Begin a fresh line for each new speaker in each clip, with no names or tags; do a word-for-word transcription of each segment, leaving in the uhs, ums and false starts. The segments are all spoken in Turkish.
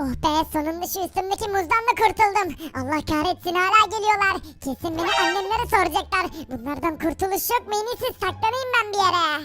Oh be, sonunda şu üstümdeki muzdan da kurtuldum. Allah kahretsin, hala geliyorlar. Kesin beni annemlere soracaklar. Bunlardan kurtuluş yok mu? En iyisi saklanayım ben bir yere.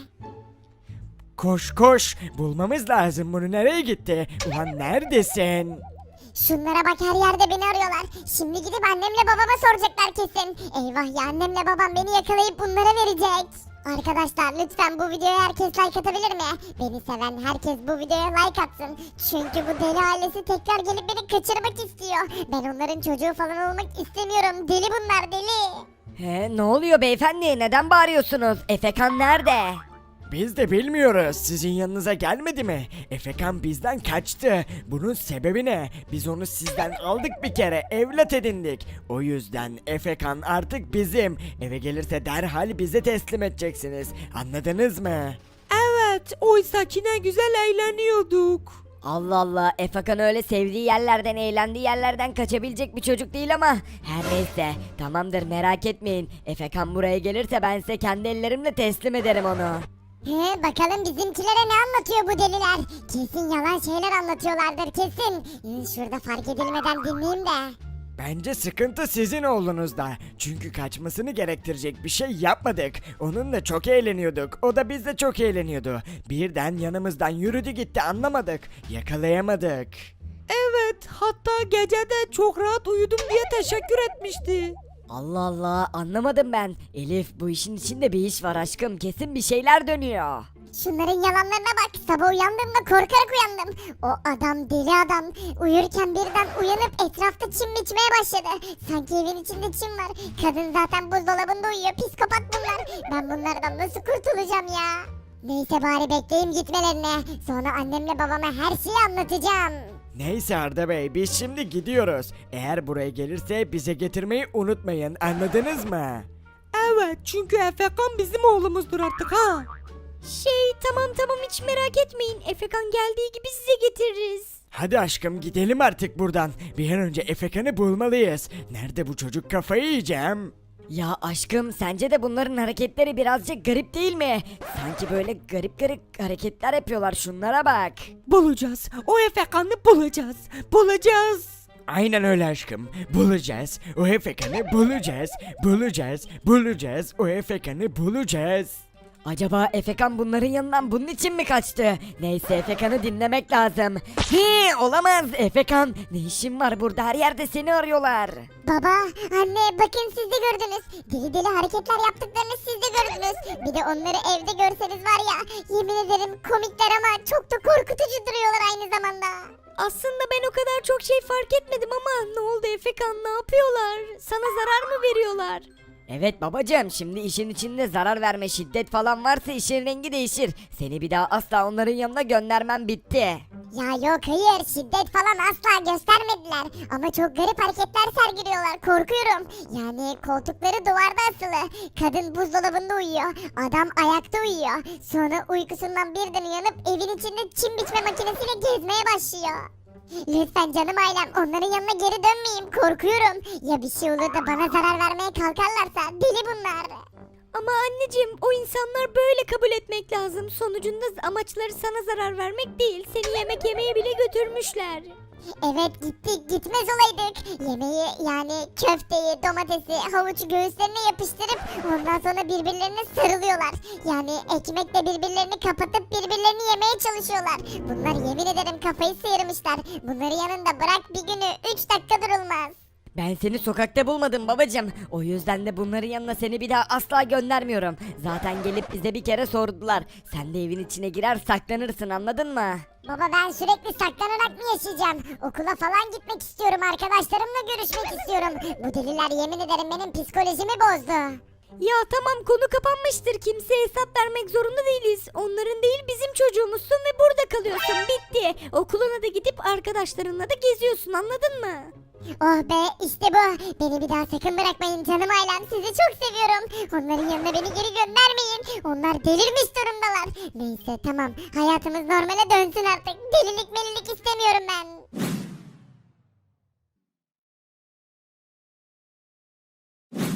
Koş koş, bulmamız lazım, bunu nereye gitti? Ulan neredesin?
Şunlara bak, her yerde beni arıyorlar. Şimdi gidip annemle babama soracaklar kesin. Eyvah ya, annemle babam beni yakalayıp bunlara verecek. Arkadaşlar lütfen bu videoya herkes like atabilir mi? Beni seven herkes bu videoya like atsın. Çünkü bu deli ailesi tekrar gelip beni kaçırmak istiyor. Ben onların çocuğu falan olmak istemiyorum. Deli bunlar, deli.
He, ne oluyor beyefendi? Neden bağırıyorsunuz? Efekan nerede?
Biz de bilmiyoruz, sizin yanınıza gelmedi mi? Efekan bizden kaçtı. Bunun sebebi ne? Biz onu sizden aldık bir kere, evlat edindik. O yüzden Efekan artık bizim. Eve gelirse derhal bize teslim edeceksiniz. Anladınız mı?
Evet, oysaki ne güzel eğleniyorduk.
Allah Allah, Efekan öyle sevdiği yerlerden, eğlendiği yerlerden kaçabilecek bir çocuk değil ama her neyse, tamamdır, merak etmeyin. Efekan buraya gelirse ben size kendi ellerimle teslim ederim onu.
He, bakalım bizimkilere ne anlatıyor bu deliler? Kesin yalan şeyler anlatıyorlardır kesin. Ee, Şurada fark edilmeden dinleyeyim de.
Bence sıkıntı sizin oğlunuzda. Çünkü kaçmasını gerektirecek bir şey yapmadık. Onunla çok eğleniyorduk. O da bizle çok eğleniyordu. Birden yanımızdan yürüdü gitti, anlamadık. Yakalayamadık.
Evet, hatta gecede çok rahat uyudum diye teşekkür etmişti.
Allah Allah, anlamadım ben. Elif, bu işin içinde bir iş var aşkım, kesin bir şeyler dönüyor.
Şunların yalanlarına bak. Sabah uyandığımda korkarak uyandım. O adam deli adam. Uyurken birden uyanıp etrafta çim biçmeye başladı. Sanki evin içinde çim var. Kadın zaten buzdolabında uyuyor. Psikopat bunlar. Ben bunlardan nasıl kurtulacağım ya? Neyse, bari bekleyeyim gitmelerini. Sonra annemle babama her şeyi anlatacağım.
Neyse Arda Bey, biz şimdi gidiyoruz. Eğer buraya gelirse bize getirmeyi unutmayın, anladınız mı?
Evet, çünkü Efekan bizim oğlumuzdur artık ha.
Şey tamam tamam hiç merak etmeyin. Efekan geldiği gibi size getiririz.
Hadi aşkım, gidelim artık buradan. Bir an önce Efekan'ı bulmalıyız. Nerede bu çocuk, kafayı yiyeceğim.
Ya aşkım, sence de bunların hareketleri birazcık garip değil mi? Sanki böyle garip garip hareketler yapıyorlar, şunlara bak.
Bulacağız, o Efekan'ı bulacağız, bulacağız.
Aynen öyle aşkım. Bulacağız. O Efekan'ı bulacağız. Bulacağız. Bulacağız. O Efekan'ı bulacağız.
Acaba Efekan bunların yanından bunun için mi kaçtı? Neyse, Efekan'ı dinlemek lazım. He, olamaz Efekan. Ne işin var burada, her yerde seni arıyorlar.
Baba, anne, bakın siz de gördünüz. Deli deli hareketler yaptıklarını siz de gördünüz. Bir de onları evde görseniz var ya, yemin ederim komikler ama çok da korkutucu duruyorlar aynı zamanda.
Aslında ben o kadar çok şey fark etmedim ama ne oldu Efekan, ne yapıyorlar? Sana zarar mı veriyorlar?
Evet babacığım, şimdi işin içinde zarar verme, şiddet falan varsa işin rengi değişir. Seni bir daha asla onların yanına göndermem, bitti.
Ya yok, hayır, şiddet falan asla göstermediler. Ama çok garip hareketler sergiliyorlar, korkuyorum. Yani koltukları duvarda asılı. Kadın buzdolabında uyuyor. Adam ayakta uyuyor. Sonra uykusundan birden uyanıp evin içinde çim biçme makinesiyle gezmeye başlıyor. Lütfen canım ailem, onların yanına geri dönmeyeyim, korkuyorum. Ya bir şey olur da bana zarar vermeye kalkarlarsa, deli bunlar.
Ama anneciğim, o insanlar böyle kabul etmek lazım. Sonucunda amaçları sana zarar vermek değil. Seni yemek yemeye bile götürmüşler.
Evet, gittik, gitmez olaydık. Yemeği, yani köfteyi, domatesi, havucu göğüslerine yapıştırıp ondan sonra birbirlerine sarılıyorlar. Yani ekmekle birbirlerini kapatıp birbirlerini yemeye çalışıyorlar. Bunlar yemin ederim kafayı sıyırmışlar. Bunları yanında bırak bir günü üç dakika durulmaz.
Ben seni sokakta bulmadım babacığım. O yüzden de bunların yanına seni bir daha asla göndermiyorum. Zaten gelip bize bir kere sordular. Sen de evin içine girer saklanırsın, anladın mı?
Baba, ben sürekli saklanarak mı yaşayacağım? Okula falan gitmek istiyorum, arkadaşlarımla görüşmek istiyorum. Bu deliler yemin ederim benim psikolojimi bozdu.
Ya tamam, konu kapanmıştır. Kimseye hesap vermek zorunda değiliz. Onların değil bizim çocuğumuzsun ve burada kalıyorsun. Bitti. Okuluna da gidip arkadaşlarınla da geziyorsun, anladın mı?
Oh be, işte bu. Beni bir daha sakın bırakmayın canım ailem. Sizi çok seviyorum. Onların yanına beni geri göndermeyin. Onlar delirmiş durumdalar. Neyse tamam. Hayatımız normale dönsün artık. Delilik melilik istemiyorum ben.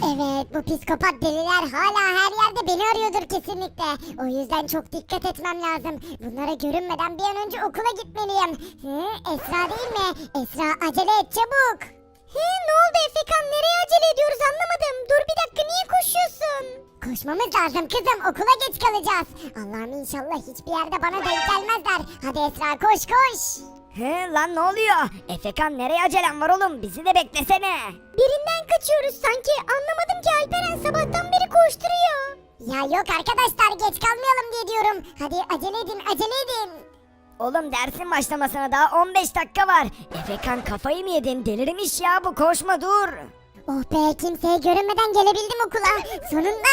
Evet, bu psikopat deliler hala her yerde beni arıyordur kesinlikle. O yüzden çok dikkat etmem lazım. Bunlara görünmeden bir an önce okula gitmeliyim. Hı, Esra değil mi? Esra, acele et çabuk. He, ne oldu Efekan? Nereye acele ediyoruz anlamadım. Dur bir dakika, niye koşuyorsun? Koşmamız lazım kızım, okula geç kalacağız. Allah'ım inşallah hiçbir yerde bana denk gelmezler. Hadi Esra, koş koş.
He lan ne oluyor? Efekan nereye acelen var oğlum? Bizi de beklesene.
Birinden kaçıyoruz sanki. Anlamadım ki, Alperen sabahtan beri koşturuyor. Ya yok arkadaşlar, geç kalmayalım diye diyorum. Hadi acele edin, acele edin.
Oğlum dersin başlamasına daha on beş dakika var. Efekan kafayı mı yedin? Delirmiş ya bu, koşma dur.
Oh be, kimseye görünmeden gelebildim okula. Sonunda.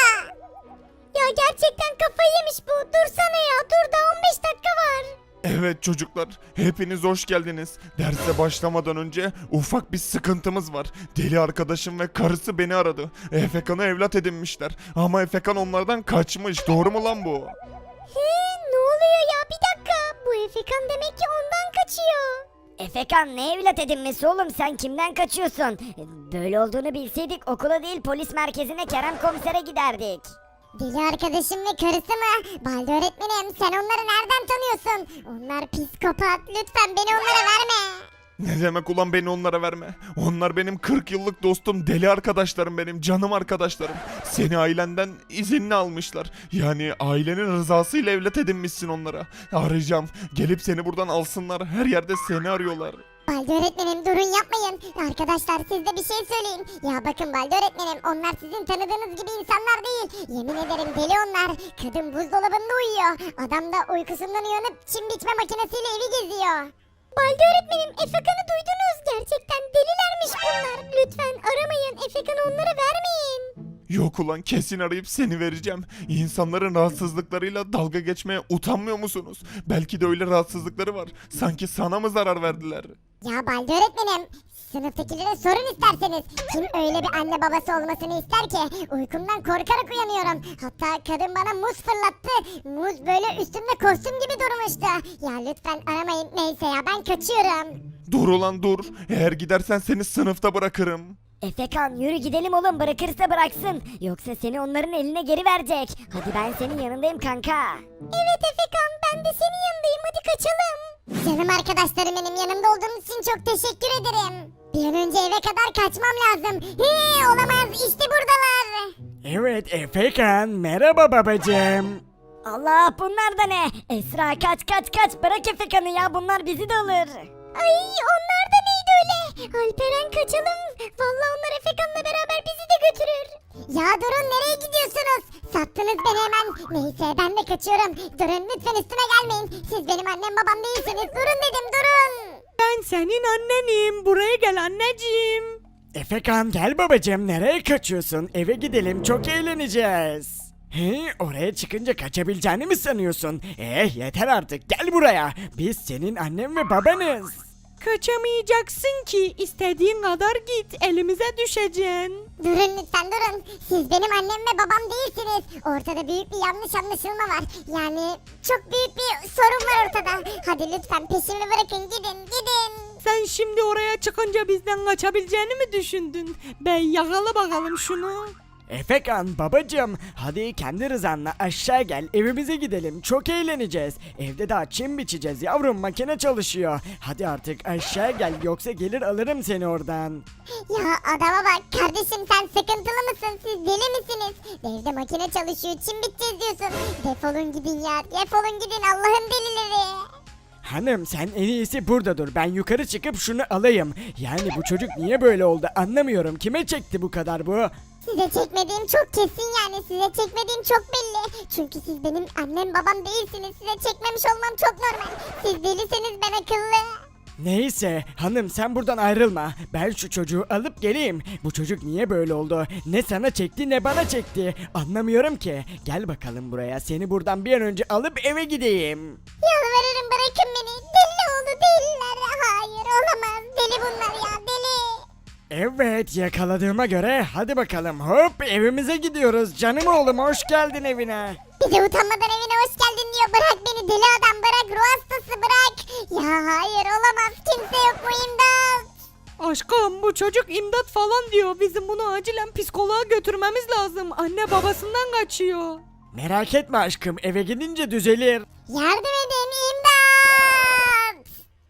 Ya gerçekten kafayı yemiş bu. Dursana ya, dur, daha on beş dakika var.
Evet çocuklar, hepiniz hoş geldiniz. Derse başlamadan önce ufak bir sıkıntımız var. Deli arkadaşım ve karısı beni aradı. Efekan'ı evlat edinmişler. Ama Efekan onlardan kaçmış. Doğru mu lan bu?
He, ne oluyor ya, bir dakika. Bu Efekan demek ki ondan kaçıyor.
Efekan ne evlat edinmesi oğlum, sen kimden kaçıyorsun? Böyle olduğunu bilseydik okula değil polis merkezine Kerem komisere giderdik.
Deli arkadaşım ve karısı mı? Balde öğretmenim, sen onları nereden tanıyorsun? Onlar psikopat, lütfen beni onlara verme.
Ne demek ulan beni onlara verme? Onlar benim kırk yıllık dostum, deli arkadaşlarım benim, canım arkadaşlarım. Seni ailenden izinli almışlar. Yani ailenin rızasıyla evlat edinmişsin onlara. Arayacağım, gelip seni buradan alsınlar. Her yerde seni arıyorlar.
Balde öğretmenim, durun yapmayın. Arkadaşlar, siz de bir şey söyleyin. Ya bakın Balde öğretmenim, onlar sizin tanıdığınız gibi insanlar değil. Yemin ederim deli onlar. Kadın buzdolabında uyuyor. Adam da uykusundan uyanıp çim biçme makinesiyle evi geziyor. Balde öğretmenim, Efekan'ı duydunuz. Gerçekten delilermiş bunlar. Lütfen aramayın, Efekan'ı onlara vermeyin.
Yok ulan, kesin arayıp seni vereceğim. İnsanların rahatsızlıklarıyla dalga geçmeye utanmıyor musunuz? Belki de öyle rahatsızlıkları var. Sanki sana mı zarar verdiler?
Ya Balde öğretmenim, sınıftakilere sorun isterseniz. Kim öyle bir anne babası olmasını ister ki? Uykumdan korkarak uyanıyorum. Hatta kadın bana muz fırlattı. Muz böyle üstümde kostüm gibi durmuştu. Ya lütfen aramayın, neyse ya, ben kaçıyorum.
Dur ulan dur. Eğer gidersen seni sınıfta bırakırım.
Efekan yürü gidelim oğlum, bırakırsa bıraksın. Yoksa seni onların eline geri verecek. Hadi ben senin yanındayım kanka.
Evet Efekan, ben de senin yanındayım, hadi kaçalım. Canım arkadaşlarım, benim yanımda olduğunuz için çok teşekkür ederim. Bir an önce eve kadar kaçmam lazım. He, olamaz, işte buradalar.
Evet Efekan, merhaba babacığım.
Allah, bunlar da ne? Esra kaç kaç kaç, bırak Efekan'ı ya, bunlar bizi de alır.
Ay, onlar da neydi öyle? Alperen, kaçalım. Vallahi onlar Efekan'la beraber bizi de götürür. Ya durun, nereye gidiyorsunuz? Sattınız beni hemen. Neyse, ben de kaçıyorum. Durun lütfen, üstüme gelmeyin. Siz benim annem babam değilsiniz. Durun dedim, durun.
Ben senin annenim. Buraya gel anneciğim.
Efekan gel babacığım, nereye kaçıyorsun? Eve gidelim, çok eğleneceğiz. He, oraya çıkınca kaçabileceğini mi sanıyorsun? Eh yeter artık, gel buraya. Biz senin annen ve babanız.
Kaçamayacaksın ki. İstediğin kadar git. Elimize düşeceksin.
Durun lütfen, durun. Siz benim annem ve babam değilsiniz. Ortada büyük bir yanlış anlaşılma var. Yani çok büyük bir sorun var ortada. Hadi lütfen peşimi bırakın, gidin gidin.
Sen şimdi oraya çıkınca bizden kaçabileceğini mi düşündün? Bey yakala bakalım şunu.
Efekan babacığım, hadi kendi rızanla aşağı gel, evimize gidelim, çok eğleneceğiz. Evde daha çim biçeceğiz yavrum, makine çalışıyor. Hadi artık aşağı gel, yoksa gelir alırım seni oradan.
Ya adama bak kardeşim, sen sıkıntılı mısın? Siz deli misiniz? Evde makine çalışıyor, çim biteceğiz diyorsun. Defolun gidin ya, defolun gidin Allah'ın delileri.
Hanım sen en iyisi burada dur, ben yukarı çıkıp şunu alayım. Yani bu çocuk niye böyle oldu anlamıyorum, kime çekti bu kadar bu?
Size çekmediğim çok kesin, yani size çekmediğim çok belli. Çünkü siz benim annem babam değilsiniz. Size çekmemiş olmam çok normal. Siz deliseniz ben akıllı.
Neyse hanım, sen buradan ayrılma. Ben şu çocuğu alıp geleyim. Bu çocuk niye böyle oldu? Ne sana çekti ne bana çekti. Anlamıyorum ki. Gel bakalım buraya. Seni buradan bir an önce alıp eve gideyim.
Yalvarırım, bırakın beni. Deli oldu deliler. Hayır, olamaz. Deli bunlar ya, deli.
Evet, yakaladığıma göre hadi bakalım, hop evimize gidiyoruz. Canım oğlum, hoş geldin evine.
Bir de utanmadan evine hoş geldin diyor. Bırak beni deli adam, bırak, ruh hastası, bırak. Ya hayır, olamaz, kimse yok mu, imdat.
Aşkım bu çocuk imdat falan diyor. Bizim bunu acilen psikoloğa götürmemiz lazım. Anne babasından kaçıyor.
Merak etme aşkım, eve gidince düzelir.
Yardım edin, imdat!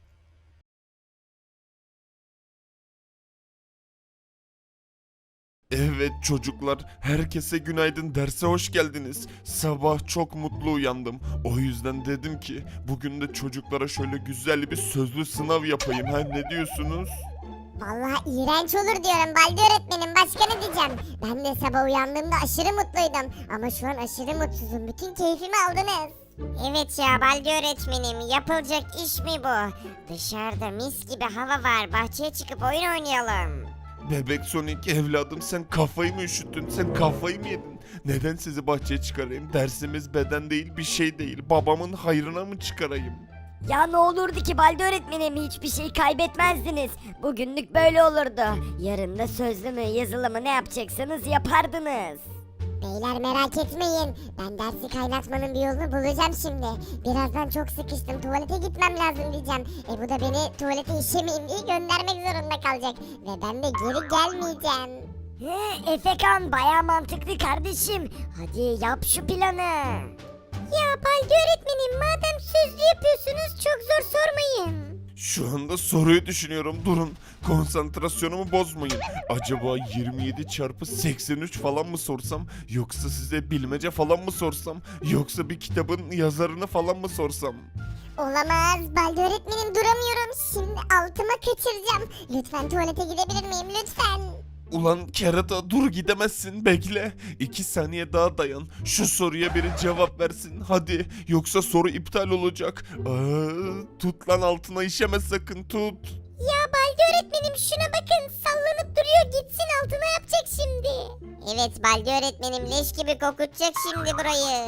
Evet çocuklar, herkese günaydın, derse hoş geldiniz. Sabah çok mutlu uyandım. O yüzden dedim ki bugün de çocuklara şöyle güzel bir sözlü sınav yapayım. Ha ne diyorsunuz?
Vallahi iğrenç olur diyorum Baldi öğretmenim, başka ne diyeceğim? Ben de sabah uyandığımda aşırı mutluydum. Ama şu an aşırı mutsuzum, bütün keyfimi aldınız.
Evet ya Baldi öğretmenim, yapılacak iş mi bu? Dışarıda mis gibi hava var, bahçeye çıkıp oyun oynayalım.
Bebek Sonic evladım, sen kafayı mı üşüttün? Sen kafayı mı yedin? Neden sizi bahçeye çıkarayım? Dersimiz beden değil, bir şey değil. Babamın hayrına mı çıkarayım?
Ya ne olurdu ki Baldi öğretmenim, hiçbir şey kaybetmezdiniz. Bugünlük böyle olurdu. Yarın da sözlü mü yazılı mı ne yapacaksanız yapardınız.
Beyler merak etmeyin. Ben dersi kaynatmanın bir yolunu bulacağım şimdi. Birazdan çok sıkıştım. Tuvalete gitmem lazım diyeceğim. E bu da beni tuvalete işemeyeyim diye göndermek zorunda kalacak. Ve ben de geri gelmeyeceğim.
He, Efekan baya mantıklı kardeşim. Hadi yap şu planı. Ya Baldi öğretmenim, madem sözlü yapıyorsunuz çok zor sormayın.
Şu anda soruyu düşünüyorum. Durun. Konsantrasyonumu bozmayın. Acaba yirmi yedi çarpı seksen üç falan mı sorsam? Yoksa size bilmece falan mı sorsam? Yoksa bir kitabın yazarını falan mı sorsam?
Olamaz. Baldi öğretmenim, duramıyorum. Şimdi altıma kaçıracağım. Lütfen tuvalete gidebilir miyim? Lütfen.
Ulan kerata, dur gidemezsin, bekle. İki saniye daha dayan. Şu soruya biri cevap versin hadi. Yoksa soru iptal olacak. Aa, tut lan, altına işeme sakın, tut.
Ya Baldi öğretmenim şuna bakın, sallanıp duruyor, gitsin altına yapacak şimdi. Evet Baldi öğretmenim, leş gibi kokutacak şimdi burayı.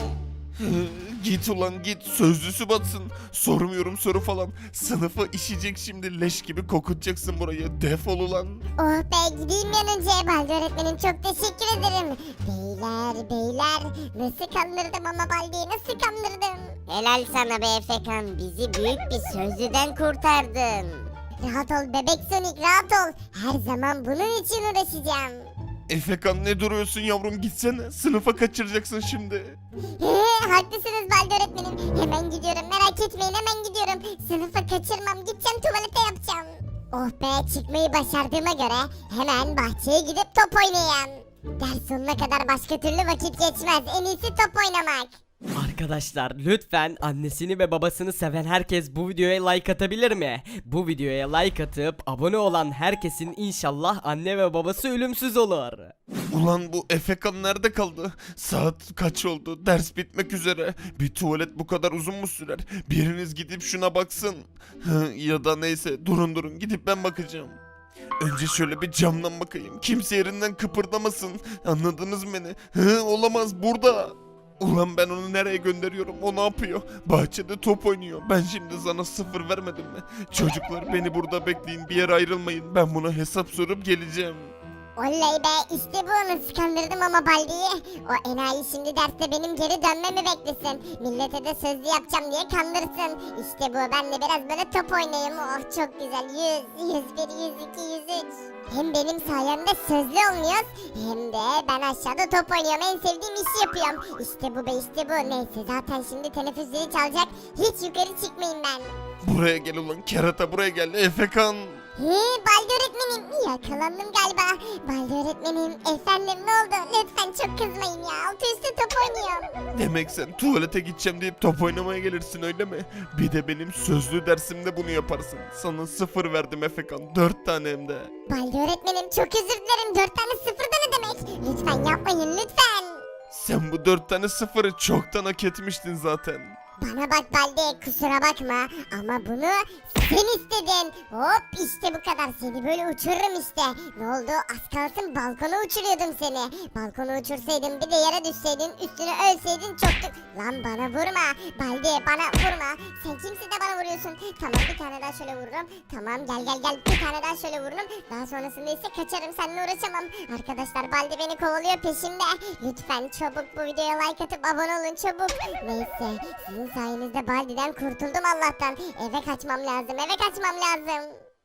Git ulan git, sözlüsü batsın. Sormuyorum soru falan. Sınıfı işecek şimdi, leş gibi kokutacaksın burayı. Defol ulan.
Oh be, gideyim bir an önce. Baldi öğretmenim, çok teşekkür ederim. Beyler beyler, nasıl kandırdım ama Baldi'yi nasıl kandırdım.
Helal sana be Efekan, bizi büyük bir sözlüden kurtardın.
Rahat ol bebek Sonic, rahat ol. Her zaman bunun için uğraşacağım.
Efekan ne duruyorsun yavrum, gitsene. Sınıfa kaçıracaksın şimdi.
He, haklısınız Baldi öğretmenim. Hemen gidiyorum, merak etmeyin, hemen gidiyorum. Sınıfa kaçırmam, gideceğim tuvalete yapacağım. Oh be, çıkmayı başardığıma göre hemen bahçeye gidip top oynayayım. Ders sonuna kadar başka türlü vakit geçmez. En iyisi top oynamak.
Arkadaşlar lütfen annesini ve babasını seven herkes bu videoya like atabilir mi? Bu videoya like atıp abone olan herkesin inşallah anne ve babası ölümsüz olur.
Ulan bu Efekan nerede kaldı? Saat kaç oldu? Ders bitmek üzere. Bir tuvalet bu kadar uzun mu sürer? Biriniz gidip şuna baksın. Hı, ya da neyse, durun durun, gidip ben bakacağım. Önce şöyle bir camdan bakayım. Kimse yerinden kıpırdamasın. Anladınız mı beni? Hı, olamaz, burada. Ulan ben onu nereye gönderiyorum? O ne yapıyor? Bahçede top oynuyor. Ben şimdi sana sıfır vermedim mi? Çocuklar beni burada bekleyin. Bir yere ayrılmayın. Ben buna hesap sorup geleceğim.
Oley be, işte bu, nasıl kandırdım ama Baldi'yi. O enayi şimdi derste benim geri dönmemi beklesin. Millete de sözlü yapacağım diye kandırsın. İşte bu, ben de biraz böyle top oynayayım. Oh çok güzel, yüz, yüz bir, yüz iki, yüz üç. Hem benim sayemde sözlü olmuyoruz, hem de ben aşağıda top oynuyorum, en sevdiğim işi yapıyorum. İşte bu be, işte bu. Neyse, zaten şimdi teneffüs zili çalacak, hiç yukarı çıkmayayım ben.
Buraya gel ulan kerata, buraya gel. Efekan.
He, Baldi öğretmenim, yakalandım galiba. Baldi öğretmenim, efendim ne oldu? Lütfen çok kızmayın ya, altı üstü top oynuyorum.
Demek sen tuvalete gideceğim deyip top oynamaya gelirsin, öyle mi? Bir de benim sözlü dersimde bunu yaparsın. Sana sıfır verdim Efekan. Dört tane hem de.
Baldi öğretmenim, çok özür dilerim, dört tane sıfır da ne demek? Lütfen yapmayın, lütfen.
Sen bu dört tane sıfırı çoktan hak etmiştin zaten.
Bana bak Baldi, kusura bakma ama bunu sen istedin. Hop, işte bu kadar, seni böyle uçururum işte. Ne oldu, az kalsın balkona uçuruyordum seni. Balkona uçursaydım, bir de yere düşseydin, üstüne ölseydin çoktu. Lan bana vurma Baldi, bana vurma. Sen kimsin de bana vuruyorsun? Tamam, bir tane daha şöyle vururum. Tamam, gel gel gel, bir tane daha şöyle vururum. Daha sonrasında ise kaçarım, seninle uğraşamam. Arkadaşlar, Baldi beni kovalıyor, peşimde. Lütfen çabuk bu videoya like atıp abone olun, çabuk. Neyse, sizin sayenizde Baldi'den kurtuldum Allah'tan. Eve kaçmam lazım, eve kaçmam lazım.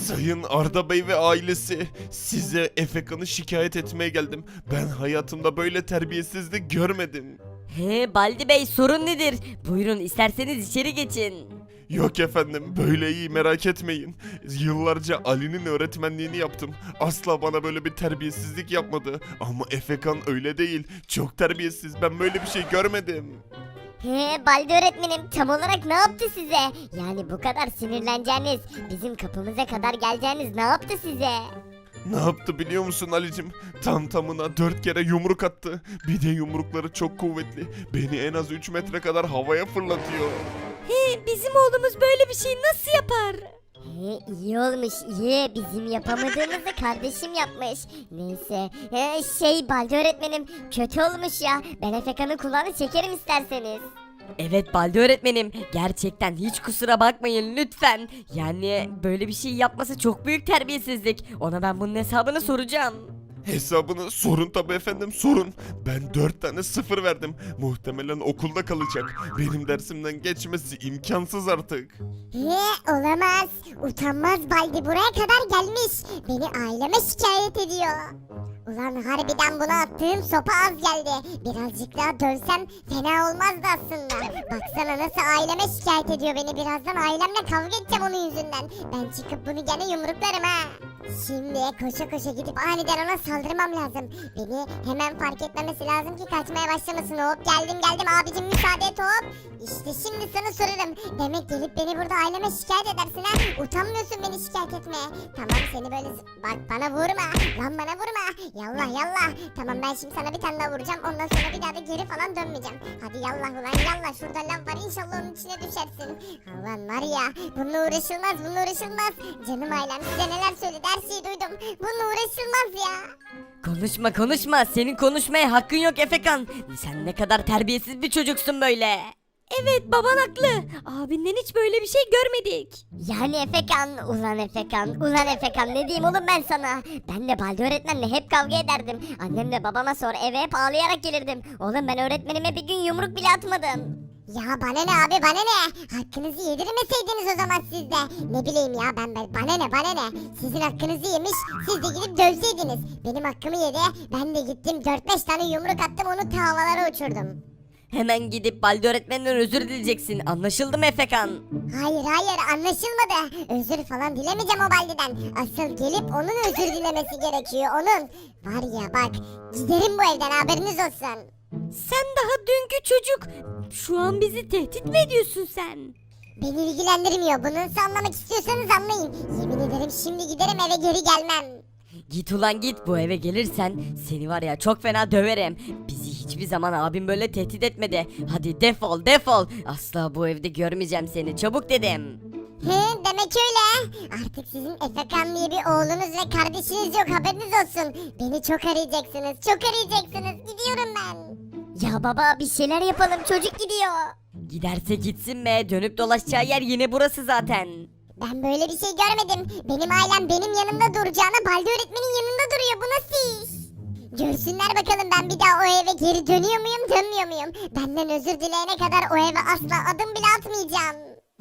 Sayın Arda Bey ve ailesi, size Efekan'ı şikayet etmeye geldim. Ben hayatımda böyle terbiyesizlik görmedim.
He Baldi Bey, sorun nedir? Buyurun, isterseniz içeri geçin.
Yok efendim, böyle iyi, merak etmeyin. Yıllarca Ali'nin öğretmenliğini yaptım. Asla bana böyle bir terbiyesizlik yapmadı. Ama Efekan öyle değil. Çok terbiyesiz. Ben böyle bir şey görmedim.
He Baldi öğretmenim tam olarak ne yaptı size? Yani bu kadar sinirleneceğiniz, bizim kapımıza kadar geleceğiniz ne yaptı size?
Ne yaptı biliyor musun Ali'cim? Tam tamına dört kere yumruk attı. Bir de yumrukları çok kuvvetli. Beni en az üç metre kadar havaya fırlatıyor.
He, bizim oğlumuz böyle bir şey nasıl yapar?
He, iyi olmuş iyi, bizim yapamadığımızı kardeşim yapmış. Neyse he, şey Baldi öğretmenim kötü olmuş ya, ben Efekan'ın kulağını çekerim isterseniz.
Evet Baldi öğretmenim, gerçekten hiç kusura bakmayın lütfen. Yani böyle bir şey yapması çok büyük terbiyesizlik. Ona ben bunun hesabını soracağım.
Hesabını sorun tabi efendim, sorun. Ben dört tane sıfır verdim. Muhtemelen okulda kalacak. Benim dersimden geçmesi imkansız artık.
He, olamaz. Utanmaz Baldi buraya kadar gelmiş. Beni aileme şikayet ediyor. Ulan harbiden buna attığım sopa az geldi. Birazcık daha dövsem fena olmazdı aslında. Baksana nasıl aileme şikayet ediyor beni. Birazdan ailemle kavga edeceğim onun yüzünden. Ben çıkıp bunu gene yumruklarım ha. Şimdi koşa koşa gidip aniden ona saldırmam lazım. Beni hemen fark etmemesi lazım ki kaçmaya başlamasın. Hop geldim geldim abicim, müsaade et hop. İşte şimdi sana sorarım. Demek gelip beni burada aileme şikayet edersin ha. Utanmıyorsun beni şikayet etmeye. Tamam seni böyle z- bak bana vurma. Lan bana vurma. Yallah yallah. Tamam ben şimdi sana bir tane daha vuracağım. Ondan sonra bir daha da geri falan dönmeyeceğim. Hadi yallah ulan yallah. Şurada lav var, inşallah onun içine düşersin. Ulan var ya, bununla uğraşılmaz bununla uğraşılmaz. Canım ailem size neler söyledi, her şeyi duydum. Bununla uğraşılmaz ya.
Konuşma konuşma, senin konuşmaya hakkın yok Efekan. Sen ne kadar terbiyesiz bir çocuksun böyle.
Evet, baban haklı. Abinden hiç böyle bir şey görmedik.
Yani Efekan, ulan Efekan, ulan Efekan ne diyeyim oğlum ben sana? Ben de Baldi öğretmenle hep kavga ederdim. Annemle babama sor eve hep ağlayarak gelirdim. Oğlum ben öğretmenime bir gün yumruk bile atmadım.
Ya bana ne abi bana ne? Hakkınızı yedirmeseydiniz o zaman siz de. Ne bileyim ya ben, ben bana ne bana ne? Sizin hakkınızı yemiş, siz de gidip dövseydiniz. Benim hakkımı yedi, ben de gittim dört beş tane yumruk attım, onu ta havalara uçurdum.
Hemen gidip Baldi öğretmenden özür dileyeceksin. Anlaşıldı mı Efekan?
Hayır hayır anlaşılmadı. Özür falan dilemeyeceğim o Baldi'den. Asıl gelip onun özür dilemesi gerekiyor onun. Var ya bak, giderim bu evden, haberiniz olsun.
Sen daha dünkü çocuk. Şu an bizi tehdit mi ediyorsun sen?
Beni ilgilendirmiyor, bunu nasıl anlamak istiyorsanız anlayın. Yemin ederim şimdi giderim eve, geri gelmem.
Git ulan git, bu eve gelirsen seni var ya çok fena döverim. Bizi hiçbir zaman abim böyle tehdit etmedi. Hadi defol defol. Asla bu evde görmeyeceğim seni, çabuk dedim.
He, demek öyle. Artık sizin Efekan diye bir oğlunuz ve kardeşiniz yok, haberiniz olsun. Beni çok arayacaksınız, çok arayacaksınız. Gidiyorum ben.
Ya baba bir şeyler yapalım, çocuk gidiyor.
Giderse gitsin be, dönüp dolaşacağı yer yine burası zaten.
Ben böyle bir şey görmedim. Benim ailem benim yanımda duracağına Baldi öğretmenin yanında duruyor. Bu nasıl iş? Görsünler bakalım ben bir daha o eve geri dönüyor muyum, dönmüyor muyum? Benden özür dileyene kadar o eve asla adım bile atmayacağım.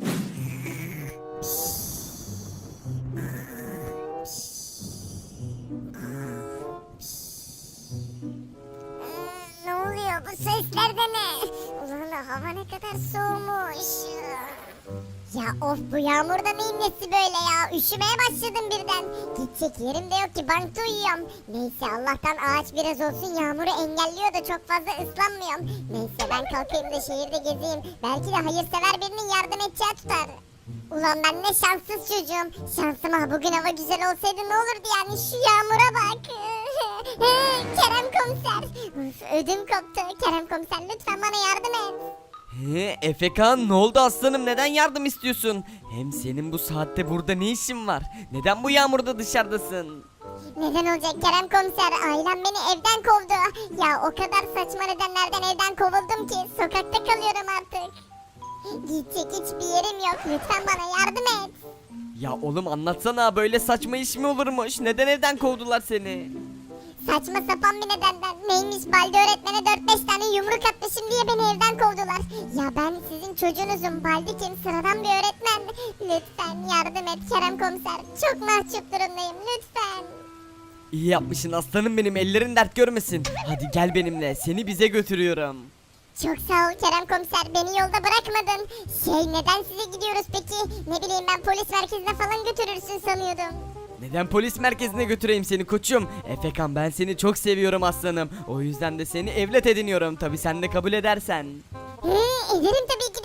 Ne oluyor, bu sesler de ne? Ulan hava ne kadar soğumuş. Ya of, bu yağmurda neyin nesi böyle ya? Üşümeye başladım birden. Gidecek yerim de yok ki, bankta uyuyorum. Neyse Allah'tan ağaç biraz olsun yağmuru engelliyor da çok fazla ıslanmıyorum. Neyse ben kalkayım da şehirde gezeyim. Belki de hayırsever birinin yardım edeceği tutar. Ulan ben ne şanssız çocuğum. Şansıma bugün hava güzel olsaydı ne olurdu yani, şu yağmura bak. Kerem komiser. Uf, ödüm koptu. Kerem komiser lütfen bana yardım et.
He, Efekan ne oldu aslanım, neden yardım istiyorsun? Hem senin bu saatte burada ne işin var? Neden bu yağmurda dışarıdasın?
Neden olacak Kerem komiser? Ailem beni evden kovdu. Ya o kadar saçma nedenlerden evden kovuldum ki sokakta kalıyorum artık. Gidecek hiçbir yerim yok. Lütfen bana yardım et.
Ya oğlum anlatsana, böyle saçma iş mi olurmuş? Neden evden kovdular seni?
Saçma sapan bir nedenden. Neymiş, Baldi öğretmene dört beş tane yumruk atmışım diye beni evden kovdular. Ya ben sizin çocuğunuzum. Baldi kim? Sıradan bir öğretmen. Lütfen yardım et Kerem komiser. Çok mahcup durumdayım, lütfen.
İyi yapmışsın aslanım benim, ellerin dert görmesin. Hadi gel benimle, seni bize götürüyorum.
Çok sağ ol Kerem komiser, beni yolda bırakmadın. Şey, neden size gidiyoruz peki? Ne bileyim, ben polis merkezine falan götürürsün sanıyordum.
Neden polis merkezine götüreyim seni koçum? Efekan, ben seni çok seviyorum aslanım. O yüzden de seni evlat ediniyorum. Tabi sen de kabul edersen.
He, ederim tabii ki